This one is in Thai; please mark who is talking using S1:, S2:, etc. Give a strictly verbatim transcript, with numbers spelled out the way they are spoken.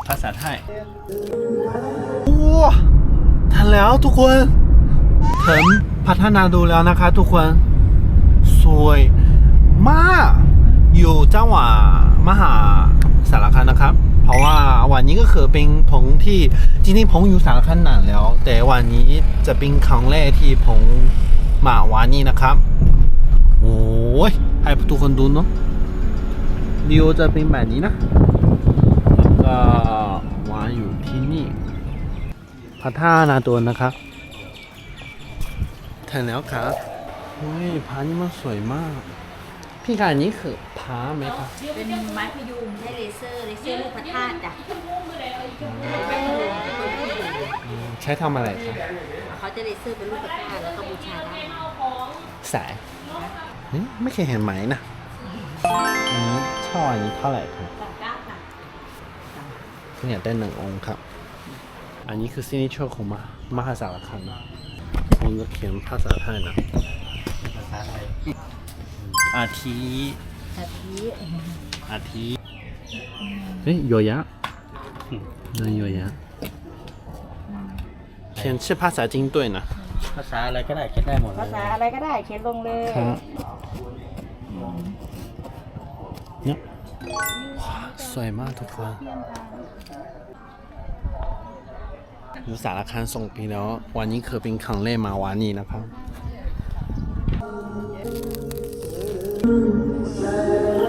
S1: ภาษาไทยว้าทันแล้วทุกคนถึงพัฒนาดูแล้วนะคะทุกคนสวยมากอยู่จังหวัดมหาสารคามนะครับเพราะว่าวันนี้ก็คือเป็นผมที่จริงๆผมอยู่สารคามนานแล้วแต่วันนี้จะเป็นครั้งแรกที่ผมมาวันนี้นะครับโอ้ยให้ทุกคนดูเนาะวิวจะเป็นแบบนี้นะแล้วก็วางอยู่ที่นี่พระธาตุนาตัวนะครับถึงแล้วครับโอ้ยพระนี่มันสวยมากพี่การนี้คือพระไหมครับ
S2: เป็นไม้พยุงใช้เลเซอร์เลเซอร์ลูกพระธาตุจ้ะ
S1: ใช้ทำอะไรครับ
S2: เขาจะเลเซอร์เป็นลูกพระธาตุแล้วก็บูชาได้
S1: สายไม่เคยเห็นไหมนะอันนี้ช่ออันนี้เท่าไหร่ครับเนี่ยได้หนึ่งองค์ครับอันนี้คือซินิเชอร์ของมามหาสารคามนะผมจะเขียนภาษาไทยนะภาษาไทยอาทิ
S2: อาทิ
S1: อาทิเฮ้ยโยยะนั่นโยยะเขียนชื่อภาษาจีนด้วยนะ
S3: ภาษาอะไรก็ได้เขียนได้หมดเลย
S2: ภาษาอะไรก็ได้เขียนลงเลย
S1: ครับเนี่ยสวยมากทุกคนอยู่สารคามส่งปีแล้ววันนี้คือเป็นครั้งแรกมาวันนี้นะครับ